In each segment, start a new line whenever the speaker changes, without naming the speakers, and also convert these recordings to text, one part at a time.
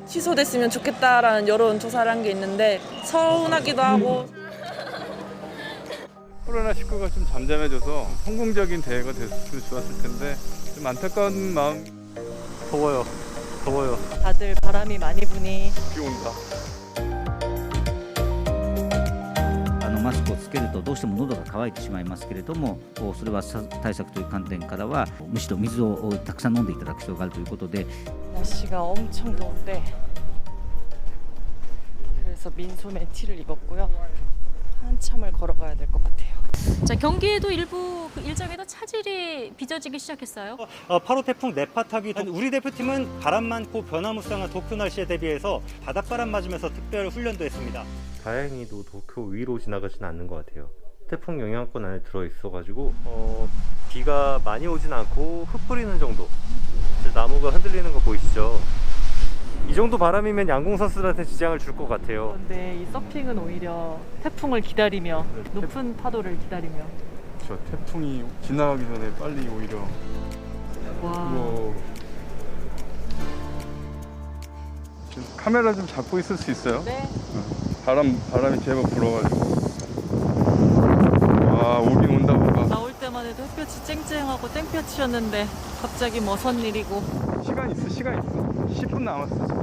취소됐으면 좋겠다라는 여론조사를 한 게 있는데 서운하기도 하고
코로나19가 좀 잠잠해져서 성공적인 대회가 됐으면 좋았을 텐데 좀 안타까운 마음.
더워요.
다들 바람이 많이 부니
비 온다.
マスクをつけるとどうしても喉が渇いてしまいますけれども、それは対策という観点からはむしろ水をたくさん飲んでいただく必要があるということで
날씨가 엄청 더운데 그래서 민소매 티를 입었고요. 한참을 걸어가야 될 것 같아요.
자, 경기에도 일부 그 일정에도 차질이 빚어지기 시작했어요.
8호 태풍 네파 타기 우리 대표팀은 바람 많고 변화무쌍한 도쿄 날씨에 대비해서 바닷바람 맞으면서 특별 훈련도 했습니다.
다행히도 도쿄 위로 지나가진 않는 것 같아요. 태풍 영향권 안에 들어있어가지고 비가 많이 오진 않고 흙 뿌리는 정도. 나무가 흔들리는 거 보이시죠? 이 정도 바람이면 양궁 선수들한테 지장을 줄 것 같아요.
그런데 이 서핑은 오히려 태풍을 기다리며 높은 파도를 기다리며
저 태풍이 지나가기 전에 빨리 오히려.
와
우와. 카메라 좀 잡고 있을 수 있어요?
네.
바람이 제법 불어가지고. 와, 오긴 온다 뭔가.
나올 때만 해도 햇볕이 쨍쨍하고 땡볕이었는데 갑자기 뭐 선 일이고
시간 있어. 10분 남았어 지금.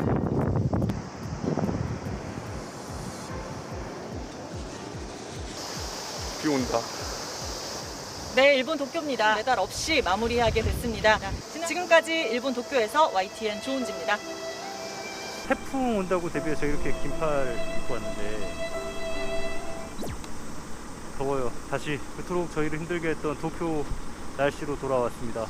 비 온다.
네, 일본 도쿄입니다. 메달 없이 마무리하게 됐습니다. 지금까지 일본 도쿄에서 YTN 조은지입니다.
태풍 온다고 대비해서 이렇게 긴팔 입고 왔는데 더워요. 다시 그토록 저희를 힘들게 했던 도쿄 날씨로 돌아왔습니다.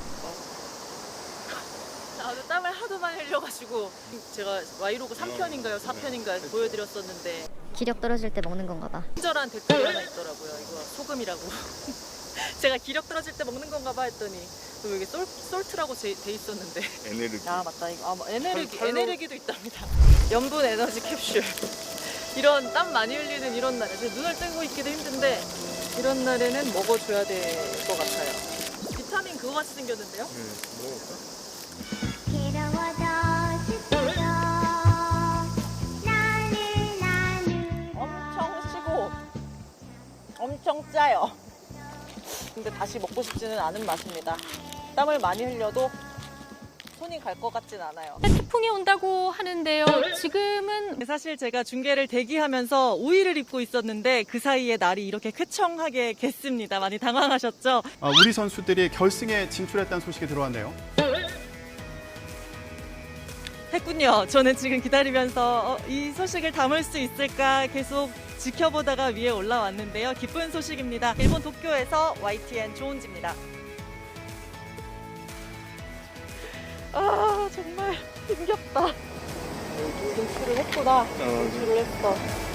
나도 땀을 하도 많이 흘려가지고 제가 와이로그 3편인가요? 4편인가요? 보여드렸었는데
기력 떨어질 때 먹는 건가 봐.
친절한 댓글이 하나 있더라고요. 이거 소금이라고. 제가 기력 떨어질 때 먹는 건가 봐 했더니 또 여기 솔트라고 돼 있었는데
에네르기.
아 맞다 이거 에네르기도 있답니다. 염분 에너지 캡슐. 이런 땀 많이 흘리는 이런 날에 눈을 뜨고 있기도 힘든데 이런 날에는 먹어줘야 될 것 같아요. 비타민 그거 같이 생겼는데요?
먹어볼까?
엄청 시고 엄청 짜요. 근데 다시 먹고 싶지는 않은 맛입니다. 땀을 많이 흘려도 손이 갈 것 같진 않아요.
태풍이 온다고 하는데요. 지금은
사실 제가 중계를 대기하면서 우의를 입고 있었는데 그 사이에 날이 이렇게 쾌청하게 겠습니다. 많이 당황하셨죠?
우리 선수들이 결승에 진출했다는 소식이 들어왔네요.
했군요. 저는 지금 기다리면서 이 소식을 담을 수 있을까 계속 지켜보다가 위에 올라왔는데요. 기쁜 소식입니다. 일본 도쿄에서 YTN 조은지입니다. 아 정말 힘겹다. 진출을 했구나. 진출을 했어.